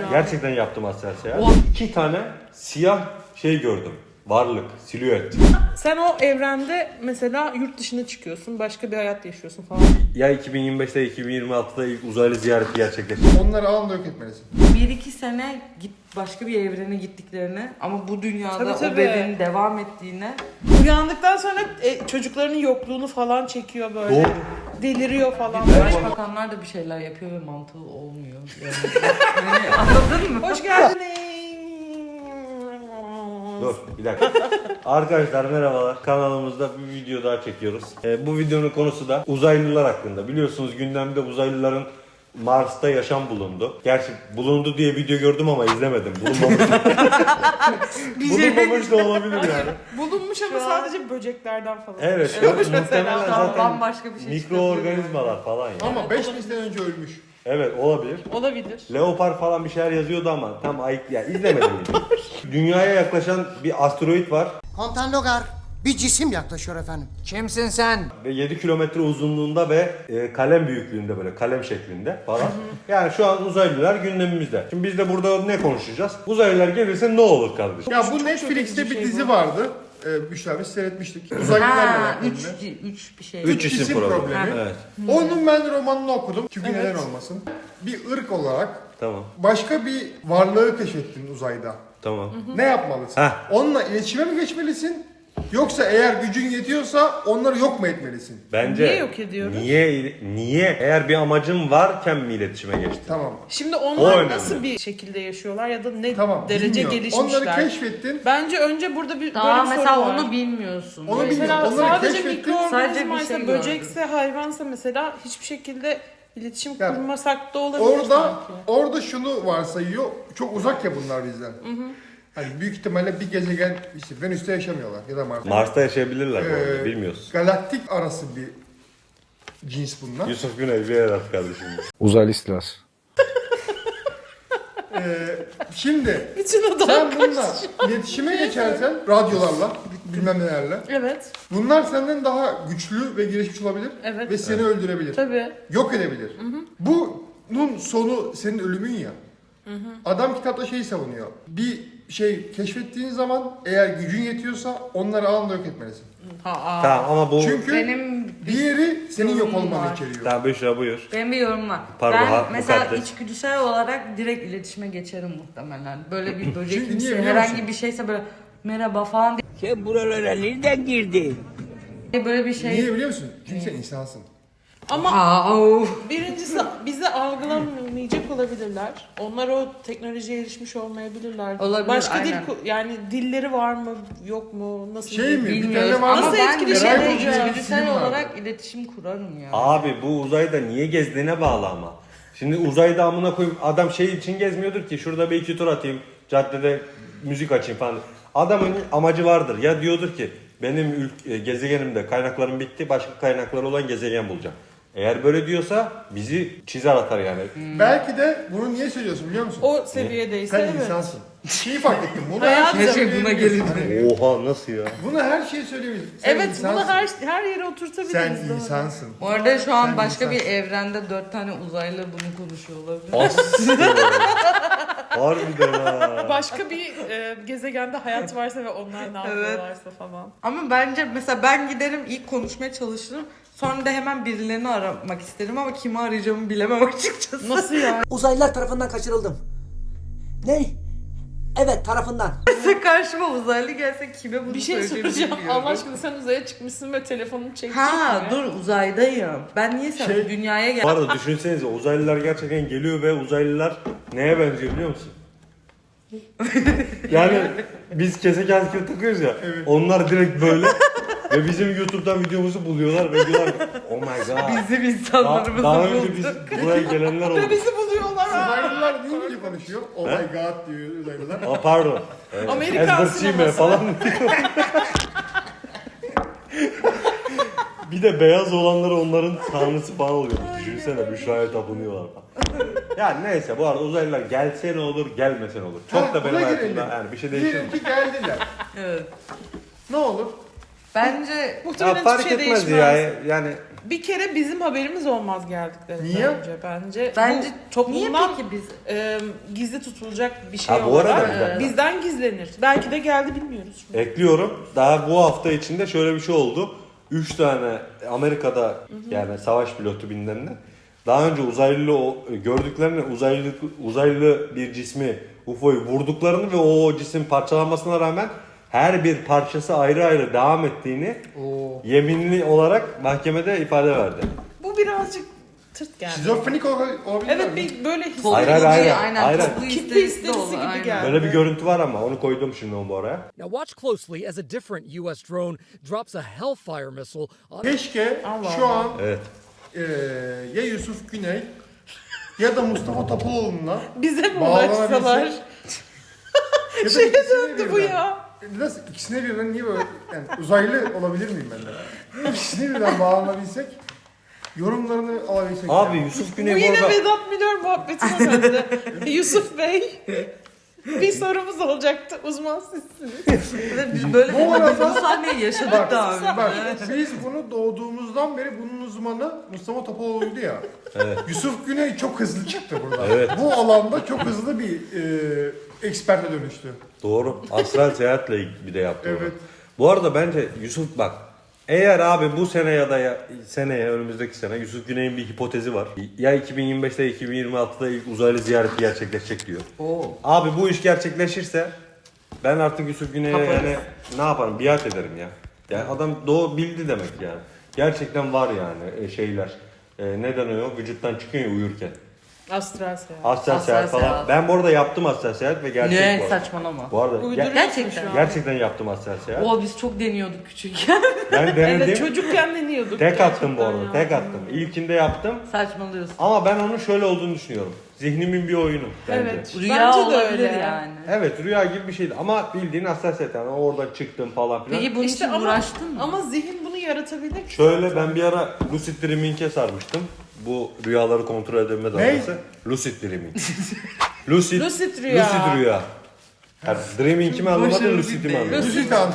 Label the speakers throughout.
Speaker 1: Gerçekten yaptım astral seyahat.
Speaker 2: Oha.
Speaker 1: 2 tane siyah şey gördüm. Varlık, silüet.
Speaker 2: Sen o evrende mesela yurt dışına çıkıyorsun, başka bir hayat yaşıyorsun falan.
Speaker 1: Ya 2025'te 2026'da ilk uzaylı ziyareti gerçekleşti.
Speaker 3: Onları anında yok etmelisin.
Speaker 4: 1-2 sene git başka bir evrene gittiklerini ama bu dünyada
Speaker 2: Tabii,
Speaker 4: o
Speaker 2: tabii.
Speaker 4: bedenin devam ettiğine
Speaker 2: Uyandıktan sonra çocuklarının yokluğunu falan çekiyor böyle.
Speaker 1: Doğru.
Speaker 2: Deliriyor falan.
Speaker 4: başbakanlar da bir şeyler yapıyor ve mantığı olmuyor. Yani anladın mı?
Speaker 2: Hoş geldiniz.
Speaker 1: Dur bir dakika. Arkadaşlar merhabalar. Kanalımızda bir video daha çekiyoruz. Bu videonun konusu da uzaylılar hakkında. Biliyorsunuz gündemde uzaylıların Mars'ta yaşam bulundu. Gerçi bulundu diye video gördüm ama izlemedim. Bulunmamış da olabilir yani.
Speaker 2: Bulunmuş ama sadece böceklerden falan.
Speaker 1: Evet. Muhtemelen zaten
Speaker 4: Bambaşka bir şey
Speaker 1: mikroorganizmalar falan yani.
Speaker 3: Ama 5000 sene önce ölmüş.
Speaker 1: Evet olabilir.
Speaker 2: Olabilir.
Speaker 1: Leopar falan bir şeyler yazıyordu ama tam ayık ya izlemedim. Dünyaya yaklaşan bir asteroid var
Speaker 5: Komutan Logar, bir cisim yaklaşıyor efendim. Kimsin sen?
Speaker 1: ve 7 kilometre uzunluğunda ve kalem büyüklüğünde böyle kalem şeklinde falan. Yani şu an uzaylılar gündemimizde. Şimdi biz de burada ne konuşacağız? Uzaylılar gelirse ne olur kardeşim?
Speaker 3: Ya bu Netflix'te bir dizi vardı. Büşra biz seyretmiştik. Uzaylılarla alakalı.
Speaker 4: 3 bir şey.
Speaker 1: 3
Speaker 3: isim
Speaker 1: isim problemi.
Speaker 3: problemi.
Speaker 1: Evet.
Speaker 3: Onun ben romanını okudum. Çünkü neden olmasın. Bir ırk olarak
Speaker 1: Tamam.
Speaker 3: başka bir varlığı keşfettin uzayda.
Speaker 1: Tamam.
Speaker 3: Ne yapmalısın?
Speaker 1: Heh.
Speaker 3: Onunla iletişime mi geçmelisin? Yoksa eğer gücün yetiyorsa onları yok mu etmelisin?
Speaker 1: Bence
Speaker 2: Niye yok ediyoruz?
Speaker 1: Niye eğer bir amacın varken mi iletişime geçtin?
Speaker 3: Tamam.
Speaker 2: Şimdi
Speaker 1: O
Speaker 2: onlar
Speaker 1: önemli.
Speaker 2: nasıl bir şekilde yaşıyorlar ya da ne
Speaker 3: Tamam.
Speaker 2: derece
Speaker 3: bilmiyorum.
Speaker 2: gelişmişler?
Speaker 3: Onları keşfettin.
Speaker 2: Bence önce burada bir
Speaker 4: Tamam
Speaker 2: böyle bir
Speaker 4: mesela
Speaker 2: soru var.
Speaker 4: onu bilmiyorsun.
Speaker 3: Onu
Speaker 4: Böyle-
Speaker 3: bilmiyorum.
Speaker 2: Mesela
Speaker 3: Onları
Speaker 2: sadece
Speaker 3: keşfettin.
Speaker 2: mikroorganizmaysa,
Speaker 4: Sadece bir şey
Speaker 2: böcekse, hayvansa mesela hiçbir şekilde iletişim
Speaker 3: Yani
Speaker 2: kurmasak da olabilir
Speaker 3: Orada
Speaker 2: sanki.
Speaker 3: orada şunu varsayıyor. Çok uzak ya bunlar bizden. Hani büyük ihtimalle bir gezegen işte Venüs'te yaşamıyorlar ya da Mars'ta.
Speaker 1: Mars'ta yaşayabilirler bu arada
Speaker 3: Ee,
Speaker 1: bilmiyoruz.
Speaker 3: Galaktik arası bir cins bunlar.
Speaker 1: Yusuf Güney bir yer at kardeşim.
Speaker 6: Uzaylı istilası.
Speaker 3: Şimdi
Speaker 2: Bütün o
Speaker 3: sen
Speaker 2: da
Speaker 3: bununla iletişime geçersen radyolarla bilmem nelerle
Speaker 2: Evet.
Speaker 3: bunlar senden daha güçlü ve gelişmiş olabilir
Speaker 2: Evet.
Speaker 3: ve seni öldürebilir.
Speaker 2: Tabii.
Speaker 3: Yok edebilir. Bunun sonu senin ölümün ya. Adam kitapta şeyi savunuyor. Bir şey keşfettiğin zaman eğer gücün yetiyorsa onları anında yok etmelisin.
Speaker 1: Tamam ama bu...
Speaker 3: Çünkü
Speaker 4: Benim
Speaker 3: diğeri senin yok
Speaker 4: yorumum
Speaker 3: olmanı
Speaker 4: var.
Speaker 3: içeriyor.
Speaker 1: Tamam Büşra buyur.
Speaker 4: Benim bir yorumum var.
Speaker 1: Pardon,
Speaker 4: Ben mesela
Speaker 1: mukaddes.
Speaker 4: içgüdüsel olarak direkt iletişime geçerim muhtemelen. Böyle bir
Speaker 3: Çünkü
Speaker 4: böcek
Speaker 3: niye
Speaker 4: kimse
Speaker 3: biliyor
Speaker 4: herhangi
Speaker 3: musun?
Speaker 4: bir şeyse böyle merhaba falan
Speaker 7: Sen buralara nereden girdin?
Speaker 4: diye böyle bir şey.
Speaker 3: Niye biliyor musun? Çünkü sen insansın.
Speaker 2: Ama
Speaker 4: Of.
Speaker 2: birincisi bizi algılamayacak olabilirler. Onlar o teknolojiye erişmiş olmayabilirler.
Speaker 4: Olabilir,
Speaker 2: Başka
Speaker 4: aynen.
Speaker 2: yani dilleri var mı, yok mu, nasıl
Speaker 3: Şey mi? Bir
Speaker 4: Bilmiyoruz
Speaker 3: tane var
Speaker 4: ama
Speaker 2: Nasıl
Speaker 4: ben
Speaker 2: etkileşim
Speaker 4: böyle
Speaker 2: kuracağız?
Speaker 4: içgüdüsel
Speaker 3: Film var.
Speaker 4: olarak iletişim kurarım ya.
Speaker 1: Abi bu uzayda niye gezdiğine bağlı ama. Şimdi uzayda amına koyup adam şey için gezmiyordur ki şurada bir iki tur atayım, caddede müzik açayım falan. Adamın amacı vardır. Ya diyordur ki benim gezegenimde kaynaklarım bitti, başka kaynaklar olan gezegen bulacağım. Eğer böyle diyorsa bizi çizer atar yani.
Speaker 3: Belki de bunu niye söylüyorsun biliyor musun?
Speaker 2: o seviyedeyse
Speaker 3: Sen
Speaker 2: evet.
Speaker 3: insansın. Şeyi fark ettim. Bunu
Speaker 2: Hayat
Speaker 3: her şeye
Speaker 4: her şey buna
Speaker 3: söyleyebilirsin.
Speaker 4: gelir.
Speaker 3: Hani
Speaker 1: Oha nasıl ya?
Speaker 3: bunu her şeye söyleyebilirsin. Sen
Speaker 2: Evet,
Speaker 3: insansın.
Speaker 2: bunu her yere oturtabiliriz.
Speaker 3: Sen
Speaker 2: doğru.
Speaker 3: insansın.
Speaker 4: Bu arada şu an
Speaker 3: Sen
Speaker 4: başka
Speaker 3: insan.
Speaker 4: bir evrende 4 tane uzaylı bunu konuşuyor olabilir.
Speaker 1: Aslında. Harbiden ha.
Speaker 2: Başka bir gezegende hayat varsa ve onlar ne yapıyorlarsa falan.
Speaker 4: Ama bence mesela ben giderim ilk konuşmaya çalışırım. Sonra da hemen birilerini aramak isterim ama kimi arayacağımı bilemem açıkçası.
Speaker 2: Nasıl ya?
Speaker 5: Uzaylılar tarafından kaçırıldım. Ne? Evet, tarafından.
Speaker 4: Mesela karşıma uzaylı gelse kime bunu
Speaker 2: Bir şey
Speaker 4: söyleyeceğimi
Speaker 2: soracağım.
Speaker 4: bilmiyorum.
Speaker 2: Allah aşkına sen uzaya çıkmışsın ve telefonunu çekecek
Speaker 4: Ha
Speaker 2: mi?
Speaker 4: dur uzaydayım. Ben niye sen dünyaya
Speaker 1: Bu
Speaker 4: geldim?
Speaker 1: arada düşünsenize uzaylılar gerçekten geliyor ve uzaylılar neye benziyor biliyor musun? Yani biz keseken takıyoruz ya. Onlar direkt böyle ve bizim YouTube'dan videomuzu buluyorlar ve diyorlar ki, oh my god.
Speaker 4: Bizim insanlarımızı
Speaker 1: Daha önce
Speaker 4: buldu.
Speaker 1: biz buraya gelenler oldu.
Speaker 2: Ve bizi buluyorlar ha.
Speaker 3: Uzaylılar değil mi konuşuyor? Oh my god diyor uzaylılar.
Speaker 1: Aa pardon.
Speaker 2: Amerikan
Speaker 1: Edward Chime
Speaker 2: sineması.
Speaker 1: falan diyor. Bir de beyaz olanları onların tanrısı falan oluyor. Düşünsene Büşra'ya tapınıyorlar falan. Yani neyse bu arada uzaylılar gelse ne olur gelmese ne olur. Çok da benim
Speaker 3: buna
Speaker 1: hayatımda
Speaker 3: girelim.
Speaker 1: yani bir şey değişir mi?
Speaker 3: Diyelim ki geldiler.
Speaker 4: Evet.
Speaker 3: Ne olur?
Speaker 4: Bence
Speaker 1: Ya
Speaker 2: Muhtemelen
Speaker 1: fark
Speaker 2: hiçbir şey
Speaker 1: etmez
Speaker 2: değişmez.
Speaker 1: ya. Yani
Speaker 2: Bir kere bizim haberimiz olmaz geldiklerinde
Speaker 3: Niye?
Speaker 2: önce bence.
Speaker 4: Bence
Speaker 2: Bu toplumdan
Speaker 4: niye peki biz
Speaker 2: gizli tutulacak bir şey
Speaker 1: Ha, bu arada
Speaker 2: olarak
Speaker 1: bir dakika.
Speaker 2: bizden gizlenir. Belki de geldi bilmiyoruz.
Speaker 1: ekliyorum. Daha bu hafta içinde şöyle bir şey oldu. 3 tane Amerika'da yani savaş pilotu bilmem ne. Daha önce gördüklerini uzaylı bir cismi UFO'yu vurduklarını ve o cisim parçalanmasına rağmen her bir parçası ayrı ayrı devam ettiğini yeminli olarak mahkemede ifade verdi.
Speaker 2: Bu birazcık tırt geldi.
Speaker 3: Şizofrenik olabilir
Speaker 2: Evet
Speaker 3: mi?
Speaker 2: bir böyle
Speaker 1: Hayır,
Speaker 2: his.
Speaker 1: hayır.
Speaker 4: aynen toplu
Speaker 2: Kitle
Speaker 4: isterisi de
Speaker 2: histerisi
Speaker 4: olur.
Speaker 2: gibi
Speaker 4: Aynen.
Speaker 2: geldi.
Speaker 1: Böyle bir görüntü var ama onu koydum şimdi onu bu araya.
Speaker 6: Now watch closely as a different U.S. drone drops a Hellfire missile on
Speaker 3: Keşke
Speaker 2: Allah
Speaker 3: şu
Speaker 2: Allah.
Speaker 3: an
Speaker 1: Evet.
Speaker 3: ya Yusuf Güney ya da Mustafa Topaloğlu'na
Speaker 2: Bize mi
Speaker 3: bağlanabilsek
Speaker 2: ulaşsalar?
Speaker 3: ya da
Speaker 2: Şeye
Speaker 3: ikisine
Speaker 2: döndü bu
Speaker 3: birden.
Speaker 2: ya.
Speaker 3: Nasıl ikisine birden niye böyle yani uzaylı olabilir miyim ben de? İkisine birden bağlanabilsek yorumlarını alabilsek.
Speaker 1: Abi
Speaker 3: yani.
Speaker 1: Yusuf
Speaker 2: Bu
Speaker 1: Güney bu
Speaker 2: yine
Speaker 1: arada
Speaker 2: Vedat Milor muhabbetine döndü. Yusuf Bey bir sorumuz olacaktı. Uzman sizsiniz.
Speaker 4: Ve biz böyle
Speaker 3: Bu arada-
Speaker 4: bu sahneyi yaşadık
Speaker 3: Bak,
Speaker 4: daha önce.
Speaker 3: bak biz bunu doğduğumuzdan beri bunun uzmanı Mustafa Topaloğlu'ydu ya. Yusuf Güney çok hızlı çıktı burada.
Speaker 1: Evet.
Speaker 3: Bu alanda çok hızlı bir eksperte dönüştü.
Speaker 1: doğru. Astral seyahatle bir de yaptı onu.
Speaker 3: Evet.
Speaker 1: Bu arada bence Yusuf bak eğer abi bu sene ya da seneye önümüzdeki sene Yusuf Güney'in bir hipotezi var. Ya 2025'te ya 2026'da ilk uzaylı ziyareti gerçekleşecek diyor. Abi bu iş gerçekleşirse ben artık Yusuf Güney'e yani ne yaparım biat ederim ya. Yani adam bildi demek yani. Gerçekten var yani şeyler. Neden o? Vücuttan çıkıyor ya uyurken.
Speaker 2: Astral seyahat.
Speaker 1: Astral seyahat falan.
Speaker 4: seyahat.
Speaker 1: Ben bu arada yaptım astral seyahat ve gerçek bu
Speaker 4: Ne
Speaker 1: arada.
Speaker 4: saçmalama.
Speaker 1: Bu arada
Speaker 2: Uyduruyorsun
Speaker 4: Gerçekten.
Speaker 2: şu an.
Speaker 1: gerçekten yaptım astral seyahat.
Speaker 4: O biz çok deniyorduk küçükken.
Speaker 1: Ben denedim.
Speaker 2: Evet çocukken deniyorduk.
Speaker 1: Tek attım bu
Speaker 2: gerçekten
Speaker 1: arada.
Speaker 2: ya.
Speaker 1: Tek attım. İlkinde yaptım.
Speaker 4: Saçmalıyorsun.
Speaker 1: Ama ben onun şöyle olduğunu düşünüyorum. Zihnimin bir oyunu bence.
Speaker 2: Evet.
Speaker 4: Rüya
Speaker 2: Bence de
Speaker 4: olabilir
Speaker 2: öyle.
Speaker 4: yani.
Speaker 1: Evet rüya gibi bir şeydi ama bildiğin astral seyahat yani oradan çıktım falan filan.
Speaker 4: Peki bunun
Speaker 2: İşte
Speaker 4: için uğraştın mı?
Speaker 2: Ama zihin bunu yaratabilir.
Speaker 1: Şöyle ben bir ara lucid dreaming'e sarmıştım. Bu rüyaları kontrol edebilme dalgası. Lucid dreaming. Lucid
Speaker 2: rüya.
Speaker 1: Lucid rüya. Yani dreaming'i mi anlamadın,
Speaker 4: Başarılı
Speaker 1: lucid'i mi
Speaker 4: bir
Speaker 1: anlamadın?
Speaker 3: Lucid an.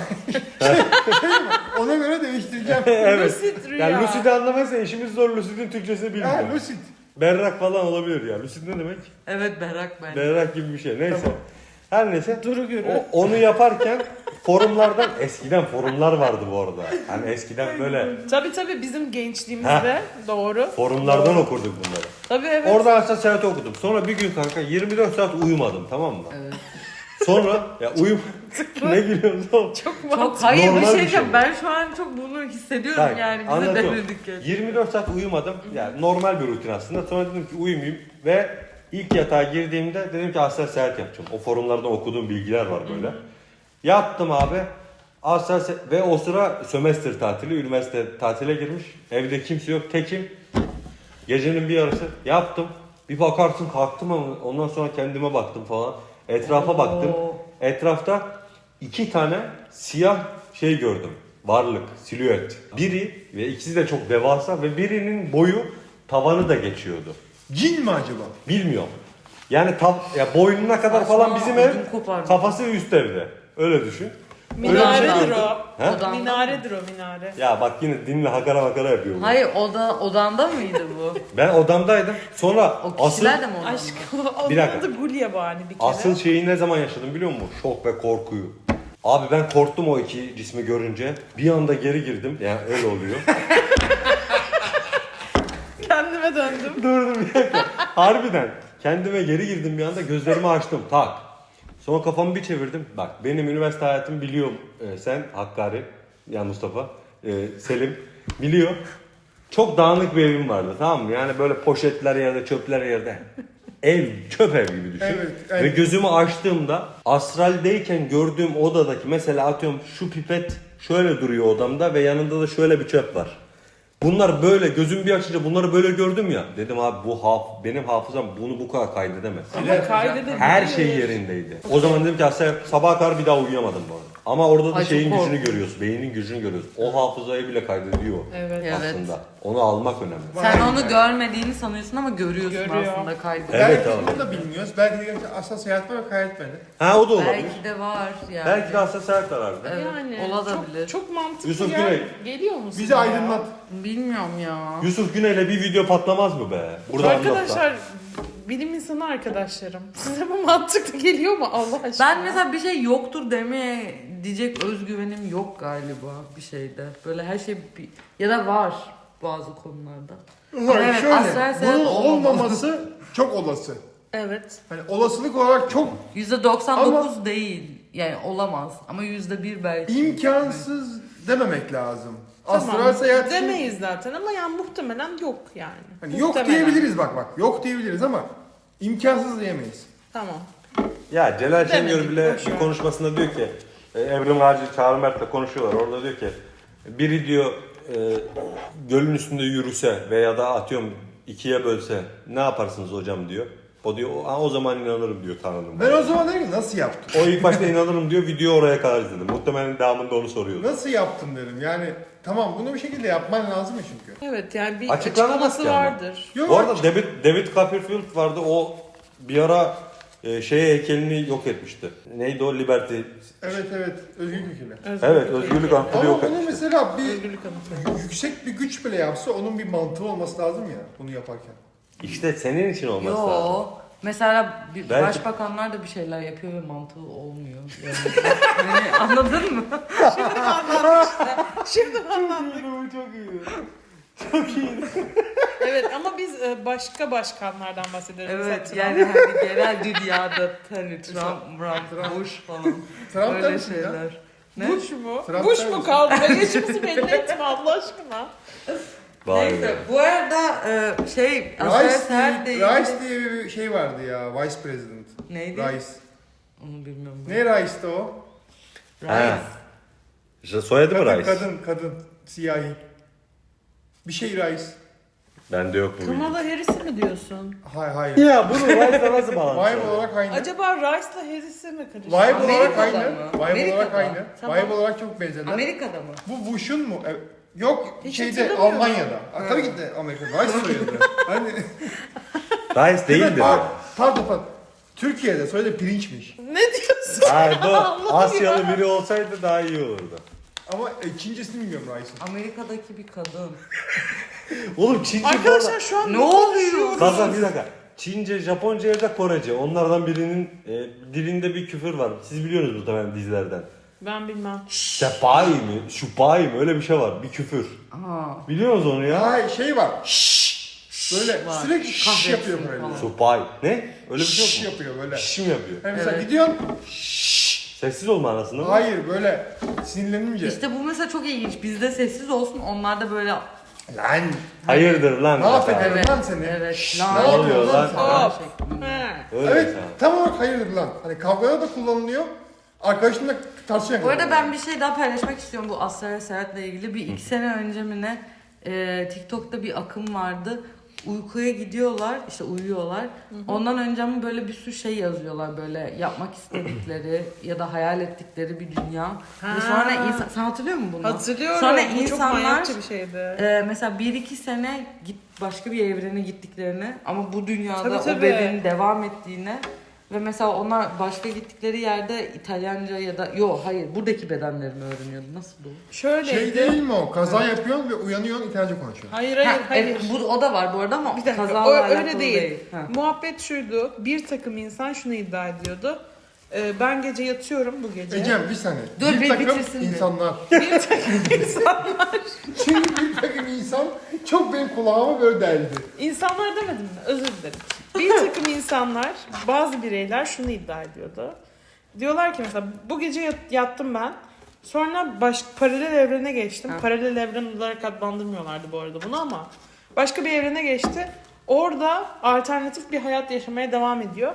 Speaker 3: Ona göre değiştireceğim.
Speaker 1: Evet.
Speaker 2: Lucid rüya.
Speaker 1: Yani lucid'i anlamazsan işimiz zor. Lucid'in Türkçesini
Speaker 3: Ha,
Speaker 1: bilmiyorum.
Speaker 3: Lucid.
Speaker 1: Berrak falan olabilir ya. Lucid ne demek?
Speaker 4: Evet berrak ben.
Speaker 1: Berrak gibi bir şey. Neyse. Her neyse.
Speaker 2: Duru görü.
Speaker 1: Onu yaparken forumlardan eskiden forumlar vardı bu arada. Hani eskiden böyle
Speaker 2: Tabii bizim gençliğimizde doğru.
Speaker 1: forumlardan okurduk bunları.
Speaker 2: Tabii evet.
Speaker 1: Orada aslında seyahat okudum. Sonra bir gün kanka 24 saat uyumadım tamam mı?
Speaker 4: Evet.
Speaker 1: Sonra ya ne gülüyorsun oğlum?
Speaker 2: Çok
Speaker 4: Çok hayır
Speaker 1: Normal
Speaker 4: bir
Speaker 1: bir
Speaker 4: şey
Speaker 1: şey
Speaker 4: diyeceğim.
Speaker 1: bu.
Speaker 4: Ben şu an çok bunu hissediyorum
Speaker 1: Bak,
Speaker 4: yani. Bize
Speaker 1: anlatıyorum.
Speaker 4: denedik yani.
Speaker 1: 24 saat uyumadım. Yani normal bir rutin aslında. Sonra dedim ki uyumayayım ve ilk yatağa girdiğimde dedim ki astral seyahat yapacağım. O forumlardan okuduğum bilgiler var böyle. Yattım abi. Ve o sıra sömestr tatili, üniversite tatile girmiş. Evde kimse yok, tekim. Gecenin bir yarısı yaptım. Bir bakarsın kalktım ama ondan sonra kendime baktım falan. Etrafa baktım. Etrafta 2 tane siyah şey gördüm. Varlık, silüet. Biri ve ikisi de çok devasa ve birinin boyu tavanı da geçiyordu.
Speaker 3: Cin mi acaba?
Speaker 1: Bilmiyorum. Yani ya boynuna kadar falan
Speaker 4: Saçma,
Speaker 1: bizim ev,
Speaker 4: ödüm kopardı.
Speaker 1: kafası üst evde. Öyle düşün.
Speaker 2: Minaredir
Speaker 1: gördüm.
Speaker 2: o.
Speaker 1: He?
Speaker 4: Odanda.
Speaker 2: Minaredir o minare.
Speaker 1: Ya bak yine dinle hakara makara yapıyor. bu.
Speaker 4: Hayır odanda mıydı bu?
Speaker 1: Ben odamdaydım. Sonra
Speaker 4: O kişiler de mi odanda?
Speaker 2: Aşkım onun
Speaker 1: Bir dakika.
Speaker 2: adı Gulyabani bir kere.
Speaker 1: asıl şeyi ne zaman yaşadım biliyor musun? Şok ve korkuyu. Abi ben korktum o iki cismi görünce. Bir anda geri girdim. Yani öyle oluyor.
Speaker 2: Kendime döndüm.
Speaker 1: Dur bir dakika. Harbiden. Kendime geri girdim bir anda gözlerimi açtım. Tak. Sonra kafamı bir çevirdim. Bak benim üniversite hayatımı biliyorum. Sen Hakkari. Ya Mustafa. Selim. Biliyor. Çok dağınık bir evim vardı tamam mı? Yani böyle poşetler yerde, çöpler yerde. Ev, çöp ev gibi düşün.
Speaker 3: Evet, evet.
Speaker 1: Ve gözümü açtığımda astraldeyken gördüğüm odadaki mesela atıyorum şu pipet şöyle duruyor odamda ve yanında da şöyle bir çöp var. Bunlar böyle gözüm bir açınca bunları böyle gördüm ya. Dedim abi benim hafızam bunu bu kadar kaydedemez.
Speaker 2: Ama kaydedebilir.
Speaker 1: Her şey yerindeydi. O zaman dedim ki aslında sabaha kadar bir daha uyuyamadım bu arada. Ama orada da
Speaker 4: Ay,
Speaker 1: şeyin
Speaker 4: çok
Speaker 1: gücünü
Speaker 4: korkunç.
Speaker 1: görüyorsun. Beynin gücünü görüyorsun. O hafızayı bile kaydediyor
Speaker 2: Evet.
Speaker 4: Evet.
Speaker 1: aslında. Onu almak önemli.
Speaker 4: Sen
Speaker 3: Vay
Speaker 4: onu
Speaker 3: be.
Speaker 4: görmediğini sanıyorsun ama görüyorsun
Speaker 2: Görüyor.
Speaker 4: aslında kaydı.
Speaker 1: Evet
Speaker 3: Belki
Speaker 1: abi.
Speaker 3: bunu da bilmiyoruz. Belki de gerçekten asla seyahat var ve kaydetmedi.
Speaker 1: Ha o da olabilir.
Speaker 4: Belki de var yani.
Speaker 1: Belki de aslında sert arardı.
Speaker 4: Evet,
Speaker 2: Yani
Speaker 4: olabilir.
Speaker 2: çok mantıklı
Speaker 1: Yusuf
Speaker 2: ya.
Speaker 1: Güney.
Speaker 2: Geliyor musun?
Speaker 3: Bizi aydınlat.
Speaker 4: Bilmiyorum ya.
Speaker 1: Yusuf Güney'le bir video patlamaz mı be? Burada
Speaker 2: Arkadaşlar, bilim insanı arkadaşlarım. Size bu mantıklı geliyor mu Allah aşkına?
Speaker 4: Ben mesela bir şey yoktur demeye diyecek özgüvenim yok galiba bir şeyde. Böyle her şey ya da var bazı konularda. Evet,
Speaker 3: Şöyle,
Speaker 4: astral seyahat
Speaker 3: bunun
Speaker 4: olmamalı.
Speaker 3: olmaması çok olası.
Speaker 2: Evet.
Speaker 3: Hani olasılık olarak çok
Speaker 4: %99 değil. Yani olamaz ama %1 belki.
Speaker 3: imkansız dememek lazım.
Speaker 2: Tamam.
Speaker 3: Astral seyahat için-
Speaker 2: Demeyiz zaten ama yani muhtemelen yok yani.
Speaker 3: Hani yok
Speaker 2: Muhtemelen.
Speaker 3: diyebiliriz bak. Yok diyebiliriz ama imkansız diyemeyiz.
Speaker 2: Tamam.
Speaker 1: Ya Celal Şengör
Speaker 2: Demedik,
Speaker 1: bile
Speaker 2: boş
Speaker 1: bir
Speaker 2: ver.
Speaker 1: konuşmasında diyor ki Evrim Ağacı Çağrı Mert'le konuşuyorlar. Orada diyor ki biri diyor gölün üstünde yürüse veya da atıyorum ikiye bölse ne yaparsınız hocam diyor. O diyor o zaman inanırım diyor tanrım.
Speaker 3: Ben o zaman dedim ki nasıl yaptın?
Speaker 1: O ilk başta inanırım diyor, video oraya kadar izledim. Muhtemelen devamında onu soruyordu.
Speaker 3: Nasıl yaptın dedim. Yani tamam bunu bir şekilde yapman lazım ya çünkü.
Speaker 2: Evet yani bir
Speaker 1: Açıklanamaz
Speaker 2: açıklaması
Speaker 1: ki ama.
Speaker 2: vardır.
Speaker 3: Yok,
Speaker 1: Bu arada David Copperfield vardı, o bir ara heykelini yok etmişti. Neydi o? Liberty.
Speaker 3: Evet özgürlük fikirler.
Speaker 1: Evet, özgürlük ankırı
Speaker 3: Ama
Speaker 1: yok
Speaker 3: bunu
Speaker 1: etmişti.
Speaker 3: mesela bir
Speaker 2: Özgürlük anıtı.
Speaker 3: yüksek bir güç bile yapsa onun bir mantığı olması lazım ya bunu yaparken.
Speaker 1: İşte senin için olması lazım.
Speaker 4: Yo. Mesela
Speaker 1: Belki-
Speaker 4: başbakanlar da bir şeyler yapıyor ve mantığı olmuyor. Yani anladın mı?
Speaker 2: Şimdi anladık.
Speaker 3: Çok iyi.
Speaker 2: Evet ama biz başka başkanlardan bahsediyoruz.
Speaker 4: Evet
Speaker 2: Mesela
Speaker 4: yani hani genel dünyada hani Trump, Bush falan
Speaker 3: Trump
Speaker 4: öyle
Speaker 3: demişsin ya.
Speaker 4: şeyler. Ne?
Speaker 2: Bush mu?
Speaker 3: Trump
Speaker 2: Bush
Speaker 3: der
Speaker 2: mu
Speaker 3: misin?
Speaker 2: kaldı? Yaşımızı belli etme Allah aşkına.
Speaker 1: Vay
Speaker 4: Neyse
Speaker 1: be.
Speaker 4: bu arada astral seyahatle ilgili...
Speaker 3: Rice diye bir şey vardı ya, Vice President.
Speaker 4: Neydi?
Speaker 3: Rice.
Speaker 4: Onu bilmiyorum.
Speaker 3: Ne Rice'di o?
Speaker 1: Ha. İşte soyadı mı Rice?
Speaker 3: Kadın, siyahi. Bir şey Rice.
Speaker 1: Bende yok bu bilgi.
Speaker 2: Kamala Harris'i mi diyorsun?
Speaker 3: Hayır.
Speaker 1: Ya bunu Rice'la nasıl bağlantısı?
Speaker 3: Vibe olarak aynı.
Speaker 2: Acaba Rice'la Harris'i mi karıştırdı?
Speaker 3: Vibe olarak
Speaker 4: Amerika'da
Speaker 3: aynı.
Speaker 4: mı?
Speaker 3: Vibe olarak
Speaker 4: Amerika'da.
Speaker 3: aynı.
Speaker 2: Tamam.
Speaker 3: Vibe olarak çok benzerler.
Speaker 4: Amerika'da mı?
Speaker 3: Bu Bush'un mu? Yok
Speaker 2: Hiç
Speaker 3: şeyde
Speaker 2: hatırlamıyorum.
Speaker 3: Almanya'da. Tabii ki de Amerika'da. Rice soyadı. Hani
Speaker 1: Rice değildir.
Speaker 3: pardon. Türkiye'de soyadı pirinçmiş.
Speaker 2: Ne diyorsun?
Speaker 1: Hayır bu
Speaker 2: Allah'ım
Speaker 1: Asyalı biri olsaydı daha iyi olurdu.
Speaker 3: Ama ikincisini bilmiyorum Rice'ın.
Speaker 4: Amerika'daki bir kadın.
Speaker 1: Oğlum Çince
Speaker 2: Arkadaşlar şu an
Speaker 4: Ne oluyor?
Speaker 1: Kanka bir dakika. Çince, Japonca ya da Korece. Onlardan birinin dilinde bir küfür var. Siz biliyorsunuz muhtemelen dizilerden.
Speaker 2: Ben bilmem.
Speaker 1: Sepai mi? Şupai mi? Öyle bir şey var. Bir küfür.
Speaker 4: Aa,
Speaker 1: Biliyor musunuz onu ya?
Speaker 3: Hayır şey var. Böyle
Speaker 4: Var.
Speaker 3: sürekli şş
Speaker 4: Kahretsin
Speaker 3: yapıyor böyle.
Speaker 4: falan.
Speaker 1: Supai. Ne? Öyle bir şey
Speaker 3: Şş
Speaker 1: yok mu?
Speaker 3: yapıyor böyle.
Speaker 1: Şş mi yapıyor?
Speaker 3: Yani mesela
Speaker 4: Evet.
Speaker 3: gidiyorsun.
Speaker 1: Sessiz olma anasını mı?
Speaker 3: Hayır böyle sinirlenince.
Speaker 4: işte bu mesela çok ilginç. Bizde sessiz olsun, onlarda böyle...
Speaker 3: Lan.
Speaker 1: Hayırdır lan?
Speaker 3: Ne affederim
Speaker 4: Evet,
Speaker 3: lan seni.
Speaker 4: evet.
Speaker 3: Şşş,
Speaker 4: Lan.
Speaker 3: ne oluyor lan?
Speaker 2: Hop.
Speaker 4: Şeklinde.
Speaker 2: He.
Speaker 1: Öyle
Speaker 3: Evet
Speaker 1: mesela.
Speaker 3: tam olarak hayırdır lan. Hani kavgada da kullanılıyor. Arkadaşınla tartışıyor.
Speaker 4: Bu arada ben bir şey daha paylaşmak istiyorum bu astral seyahatle ilgili. Bir 2 sene önce mi ne TikTok'ta bir akım vardı. Uykuya gidiyorlar, işte uyuyorlar. Ondan önce mi böyle bir sürü şey yazıyorlar böyle yapmak istedikleri ya da hayal ettikleri bir dünya. Ve sonra insan, sen hatırlıyor musun bunu?
Speaker 2: Hatırlıyorum.
Speaker 4: Sonra
Speaker 2: Bu çok
Speaker 4: insanlar
Speaker 2: manyakça bir şeydi.
Speaker 4: mesela 1-2 sene başka bir evrene gittiklerini ama bu dünyada
Speaker 2: Tabii,
Speaker 4: o
Speaker 2: tabii.
Speaker 4: bedenin devam ettiğini ve mesela onlar başka gittikleri yerde İtalyanca ya da hayır buradaki bedenlerini öğreniyordu. Nasıl bu?
Speaker 2: Şöyleydi.
Speaker 3: Şey değil mi o? Kaza yapıyorsun ve uyanıyorsun İtalyanca konuşuyorsun.
Speaker 2: Hayır.
Speaker 4: Evet, o da var bu arada ama
Speaker 2: Bir dakika,
Speaker 4: kazayla
Speaker 2: o
Speaker 4: alakalı
Speaker 2: öyle değil.
Speaker 4: Ha.
Speaker 2: Muhabbet şuydu. Bir takım insan şunu iddia ediyordu. Ben gece yatıyorum bu gece.
Speaker 3: Ecem bir saniye.
Speaker 4: Dur, bir
Speaker 3: takım
Speaker 4: bitirsin bir.
Speaker 3: insanlar.
Speaker 2: Bir takım insanlar.
Speaker 3: Çünkü bir takım insan çok benim kulağıma böyle deldi.
Speaker 2: İnsanlar demedim mi? Özür dilerim. Bir takım insanlar, bazı bireyler şunu iddia ediyordu. Diyorlar ki mesela bu gece yattım ben. Sonra paralel evrene geçtim.
Speaker 4: Ha.
Speaker 2: Paralel evren olarak adlandırmıyorlardı bu arada bunu ama. Başka bir evrene geçti. Orada alternatif bir hayat yaşamaya devam ediyor.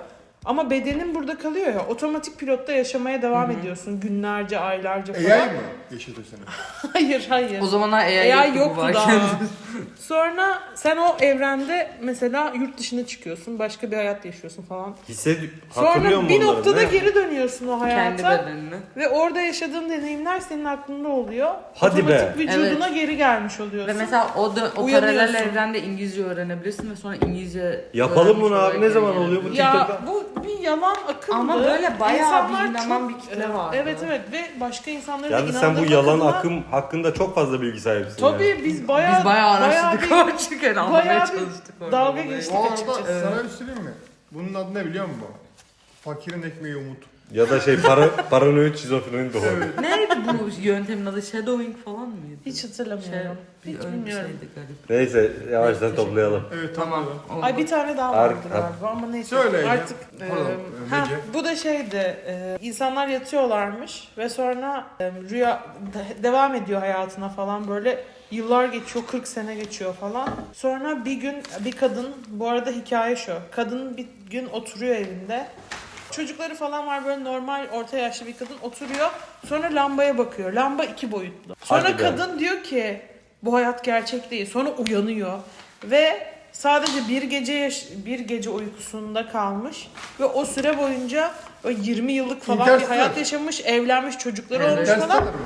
Speaker 2: Ama bedenin burada kalıyor ya, otomatik pilotta yaşamaya devam ediyorsun günlerce, aylarca falan.
Speaker 3: AI mı yaşatıyor seni?
Speaker 2: Hayır.
Speaker 4: O zamanlar AI
Speaker 2: AI
Speaker 4: yoktu bu
Speaker 2: yoktu
Speaker 4: varken.
Speaker 2: daha. Sonra sen o evrende mesela yurt dışına çıkıyorsun, başka bir hayat yaşıyorsun falan.
Speaker 1: Hatırlıyor
Speaker 2: Sonra
Speaker 1: musun
Speaker 2: bir
Speaker 1: onları?
Speaker 2: noktada
Speaker 1: Ne?
Speaker 2: geri dönüyorsun o
Speaker 4: Kendi
Speaker 2: hayata
Speaker 4: bedenini.
Speaker 2: ve orada yaşadığın deneyimler senin aklında oluyor.
Speaker 1: Hadi
Speaker 2: Otomatik
Speaker 1: be.
Speaker 2: vücuduna geri gelmiş oluyorsun.
Speaker 4: Ve mesela o paralel
Speaker 2: Uyanıyorsun.
Speaker 4: evrende İngilizce öğrenebilirsin ve sonra İngilizce
Speaker 1: Yapalım
Speaker 4: öğrenmiş
Speaker 1: bunu abi.
Speaker 4: olarak
Speaker 1: Ne
Speaker 4: geri
Speaker 1: zaman
Speaker 4: gelebilirsin.
Speaker 1: oluyor bu
Speaker 2: Ya
Speaker 1: TikTok'ta?
Speaker 2: bu bir yalan akımdı.
Speaker 4: Ama böyle bayağı
Speaker 2: İnsanlar
Speaker 4: bir inanan
Speaker 2: çok-
Speaker 4: bir kitle vardı.
Speaker 2: Evet ve başka insanların da
Speaker 1: Yani sen bu
Speaker 2: inandırmak
Speaker 1: yalan
Speaker 2: adına-
Speaker 1: akım hakkında çok fazla bilgi sahipsin. yani.
Speaker 2: Tabii biz bayağı
Speaker 4: Biz bayağı araştırdık
Speaker 2: bir-
Speaker 4: ama çünkü anlamaya
Speaker 2: bayağı bir
Speaker 4: çalıştık. orada
Speaker 2: dalga
Speaker 4: olayı.
Speaker 2: geçtik.
Speaker 3: Bu arada
Speaker 2: açıkçası.
Speaker 3: sana bir söyleyeyim mi? Bunun adı ne biliyor musun? Fakirin ekmeği umut.
Speaker 1: Ya da paranoid şizofreni de olabilir.
Speaker 4: Neydi bu yöntemin adı? Shadowing falan mıydı?
Speaker 2: Hiç hatırlamıyorum.
Speaker 4: bir
Speaker 2: Hiç
Speaker 4: öyle bir
Speaker 2: bilmiyorum.
Speaker 4: şeydi garip.
Speaker 1: Neyse yavaştan
Speaker 4: Teşekkür
Speaker 1: toplayalım.
Speaker 3: Evet
Speaker 4: Tamam.
Speaker 3: tamam.
Speaker 4: oldu.
Speaker 2: Ay bir tane daha
Speaker 1: Ar-
Speaker 2: vardı galiba ama neyse.
Speaker 3: Söyle Ece.
Speaker 2: Artık
Speaker 3: Pardon, Ece.
Speaker 2: bu da şeydi. İnsanlar yatıyorlarmış ve sonra rüya devam ediyor hayatına falan, böyle yıllar geçiyor, 40 sene geçiyor falan. Sonra bir gün bir kadın, bu arada hikaye şu. Kadın bir gün oturuyor evinde. Çocukları falan var, böyle normal orta yaşlı bir kadın oturuyor. Sonra lambaya bakıyor. Lamba 2 boyutlu. Sonra
Speaker 1: Hadi be.
Speaker 2: kadın diyor ki bu hayat gerçek değil. Sonra uyanıyor ve sadece bir gece uykusunda kalmış ve o süre boyunca o 20 yıllık falan bir
Speaker 3: Interstellar.
Speaker 2: hayat yaşamış, evlenmiş, çocukları
Speaker 4: Evet.
Speaker 2: olmuş
Speaker 3: Interstellar
Speaker 2: falan.
Speaker 3: mı?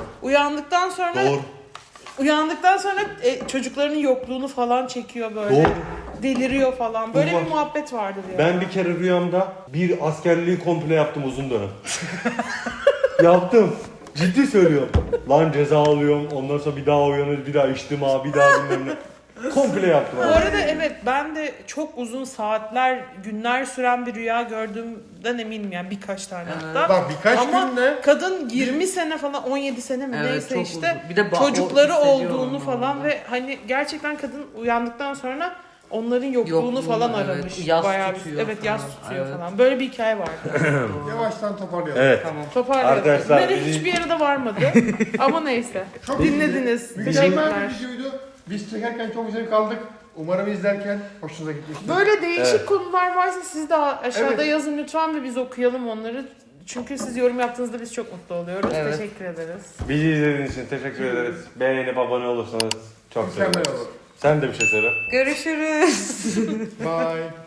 Speaker 2: Uyandıktan sonra çocuklarının yokluğunu falan çekiyor böyle.
Speaker 1: Doğru.
Speaker 2: Deliriyor falan. Böyle
Speaker 1: Bu var.
Speaker 2: bir muhabbet vardır ya.
Speaker 1: Ben bir kere rüyamda bir askerliği komple yaptım uzun dönem. Yaptım. Ciddi söylüyorum. Lan ceza alıyorum. Ondan sonra bir daha uyanır, bir daha içtim abi, bir daha bilmem ne. Komple yaptım
Speaker 2: Bu
Speaker 1: abi.
Speaker 2: arada evet, ben de çok uzun saatler, günler süren bir rüya gördüğümden eminim yani, birkaç tane hatta.
Speaker 3: Bak birkaç
Speaker 2: Ama
Speaker 3: günde
Speaker 2: kadın 20 sene falan, 17 sene mi
Speaker 4: Evet,
Speaker 2: neyse
Speaker 4: çok
Speaker 2: işte
Speaker 4: uzun. Bir de o
Speaker 2: çocukları
Speaker 4: hissediyor
Speaker 2: olduğunu
Speaker 4: onu
Speaker 2: falan
Speaker 4: orada.
Speaker 2: ve hani gerçekten kadın uyandıktan sonra onların yokluğunu
Speaker 4: Yokluğunu,
Speaker 2: falan
Speaker 4: evet,
Speaker 2: aramış.
Speaker 4: yas
Speaker 2: Bayağı
Speaker 4: tutuyor
Speaker 2: evet
Speaker 4: falan.
Speaker 2: yas tutuyor
Speaker 4: Evet.
Speaker 2: falan. Böyle bir hikaye vardı.
Speaker 3: yavaştan toparlayalım.
Speaker 1: Evet.
Speaker 4: Tamam.
Speaker 2: Toparlayalım.
Speaker 1: Arkadaşlar,
Speaker 2: Nereye
Speaker 1: bizi-
Speaker 2: hiçbir yere de varmadı. Ama neyse.
Speaker 3: Çok
Speaker 2: Dinlediniz.
Speaker 3: Mükemmel
Speaker 2: Teşekkürler.
Speaker 3: bir videoydu. Biz çekerken çok güzel kaldık. Umarım izlerken hoşunuza gitmiştir.
Speaker 2: Böyle değişik
Speaker 1: Evet.
Speaker 2: konular varsa siz de aşağıda
Speaker 3: Evet.
Speaker 2: yazın lütfen ve biz okuyalım onları. Çünkü siz yorum yaptığınızda biz çok mutlu oluyoruz.
Speaker 4: Evet.
Speaker 2: Teşekkür ederiz.
Speaker 1: Bizi izlediğiniz için teşekkür ederiz. Beğenip abone olursanız çok
Speaker 3: Mükemmel
Speaker 1: seviniriz.
Speaker 3: olur.
Speaker 1: Sen de bir şey söyle.
Speaker 4: Görüşürüz.
Speaker 3: Bye.